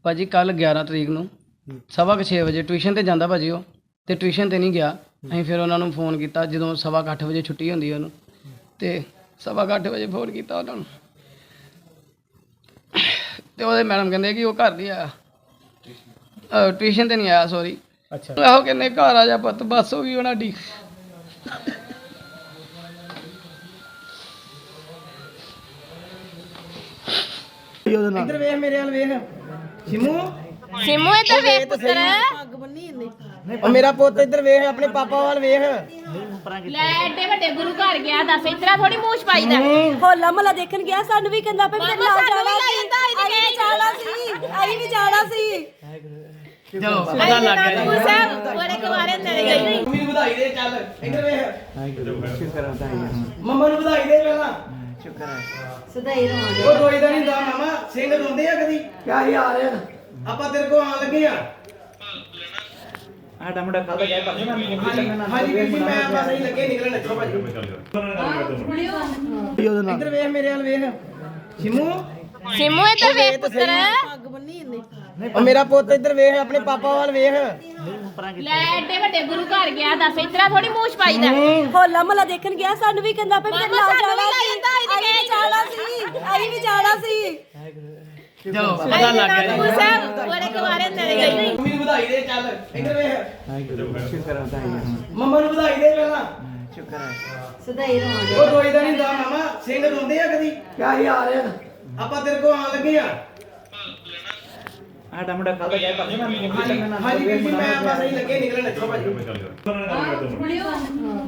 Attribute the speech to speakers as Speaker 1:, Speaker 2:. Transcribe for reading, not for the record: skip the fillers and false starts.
Speaker 1: ਭਾਜੀ ਕੱਲ 11 ਤਰੀਕ ਨੂੰ 6:30 ਵਜੇ ਟਿਊਸ਼ਨ ਤੇ ਜਾਂਦਾ ਭਾਜੀ ਉਹ ਤੇ ਟਿਊਸ਼ਨ ਤੇ ਨਹੀਂ ਗਿਆ। ਅਸੀਂ ਫਿਰ ਉਹਨਾਂ ਨੂੰ ਫੋਨ ਕੀਤਾ ਜਦੋਂ 8:15 ਵਜੇ ਛੁੱਟੀ ਹੁੰਦੀ ਹੈ ਉਹਨੂੰ, ਤੇ 8:15 ਵਜੇ ਫੋਨ ਕੀਤਾ ਉਹਨਾਂ ਨੂੰ ਤੇ ਉਹਦੇ ਮੈਡਮ ਕਹਿੰਦੇ ਕਿ ਉਹ ਘਰ ਨਹੀਂ ਆਇਆ, ਟਿਊਸ਼ਨ ਤੇ ਨਹੀਂ ਆਇਆ, ਸੌਰੀ।
Speaker 2: ਅੱਛਾ
Speaker 1: ਆਹੋ ਕਹਿੰਦੇ ਘਰ ਆ ਜਾ ਪੁੱਤ, ਬੱਸ ਹੋ ਗਈ ਉਹਨਾਂ ਦੀ।
Speaker 2: ਇੱਧਰ ਵੇਖ ਮੇਰੇ ਵੱਲ ਵੇਖ ਸਿਮੂ
Speaker 3: ਸਿਮੂ ਇੱਧਰ ਵੇਖ ਪੁੱਤਰ।
Speaker 2: ਉਹ ਮੇਰਾ ਪੁੱਤ ਇੱਧਰ ਵੇਖ ਆਪਣੇ ਪਾਪਾ ਵੱਲ ਵੇਖ।
Speaker 3: ਲੈ ਐਡੇ ਵੱਡੇ ਗੁਰੂ ਘਰ ਗਿਆ, ਦੱਸ ਇਤਰਾ ਥੋੜੀ ਮੂੰਹ ਛਪਾਈਦਾ।
Speaker 4: ਹੋਲਾ ਮਹੱਲਾ ਦੇਖਣ ਗਿਆ, ਸਾਨੂੰ ਵੀ ਕਹਿੰਦਾ ਪਿਆ ਮੇਰੇ ਨਾਲ ਜਾਣਾ ਸੀ, ਅਸੀਂ ਵੀ ਜਾਣਾ ਸੀ।
Speaker 1: ਚਲੋ ਪਤਾ ਲੱਗ ਗਿਆ
Speaker 3: ਗੁਰੂ ਸਾਹਿਬ ਬੜੇ ਕੁਵਾਰੇ ਤੇਰੇ ਗਈ।
Speaker 2: ਮੰਮੀ ਨੂੰ ਵਧਾਈ ਦੇ, ਚੱਲ ਇੱਧਰ ਵੇਖ। ਸ਼ੁਕਰ ਮੰਮਾ ਨੂੰ ਵਧਾਈ ਦੇ ਪਹਿਲਾਂ।
Speaker 4: ਸਦਾਈ ਰਹਾਂਗੇ।
Speaker 2: ਉਹ ਰੋਈਦਾ ਨਹੀਂ ਹੁੰਦਾ ਮਾਮਾ, ਸਿੰਘ ਰੋਂਦੇ ਆ ਕਦੀ? ਕਿਆ ਯਾਰ ਆਪਾਂ ਤੇਰੇ ਕੋਲ ਆਣ ਲੱਗੇ ਆ।
Speaker 5: ਸਾਡਾ ਮੁੰਡਾ ਕੱਲ ਦਾ ਗਿਆ ਭਾਜੀ ਮੈਂ
Speaker 2: ਹਾਂਜੀ ਵੀਰ ਜੀ, ਮੈਂ ਬਸ ਅਸੀਂ ਲੱਗੇ ਨਿਕਲਣ ਇੱਥੋਂ ਭਾਜੀ। ਇੱਧਰ ਵੇਖ ਮੇਰੇ ਵੱਲ ਵੇਖ ਸਿਮੂ
Speaker 3: ਸਿਮੂ ਇੱਧਰ ਵੇਖ ਪੁੱਤਰ।
Speaker 2: ਉਹ ਮੇਰਾ ਪੁੱਤ ਇੱਧਰ ਵੇਖ ਆਪਣੇ ਪਾਪਾ ਵੱਲ ਵੇਖ।
Speaker 3: ਲੈ ਐਡੇ ਵੱਡੇ ਗੁਰੂ ਘਰ ਗਿਆ, ਦੱਸ ਇਤਰਾ ਥੋੜੀ ਮੂੰਹ ਛਪਾਈਦਾ।
Speaker 4: ਹੋਲਾ ਮਹੱਲਾ ਦੇਖਣ ਗਿਆ, ਸਾਨੂੰ ਵੀ ਕਹਿੰਦਾ ਪਿਆ ਮੇਰੇ ਨਾਲ ਜਾਣਾ ਸੀ, ਅਸੀਂ ਵੀ ਜਾਣਾ ਸੀ।
Speaker 1: ਚਲੋ ਪਤਾ ਲੱਗ ਗਿਆ
Speaker 3: ਗੁਰੂ ਸਾਹਿਬ ਬੜੇ ਕੁਵਾਰੇ ਤੇਰੇ ਗਈ।
Speaker 2: ਮੰਮੀ ਨੂੰ ਵਧਾਈ ਦੇ, ਚੱਲ ਇੱਧਰ ਵੇਖ। ਸ਼ੁਕਰ ਮੰਮਾ ਨੂੰ ਵਧਾਈ ਦੇ ਪਹਿਲਾਂ।
Speaker 4: ਸਦਾਈ ਰਹਾਂਗੇ।
Speaker 2: ਉਹ ਰੋਈਦਾ ਨਹੀਂ ਹੁੰਦਾ ਮਾਮਾ, ਸਿੰਘ ਰੋਂਦੇ ਆ ਕਦੀ? ਕਿਆ ਯਾਰ ਆਪਾਂ ਤੇਰੇ ਕੋਲ ਆਣ ਲੱਗੇ ਆ।
Speaker 5: ਸਾਡਾ ਮੁੰਡਾ ਕੱਲ ਦਾ ਗਿਆ ਭਾਜੀ ਮੈਂ
Speaker 2: ਹਾਂਜੀ ਵੀਰ ਜੀ, ਮੈਂ ਬਸ ਅਸੀਂ ਲੱਗੇ ਨਿਕਲਣ ਇੱਥੋਂ ਭਾਜੀ।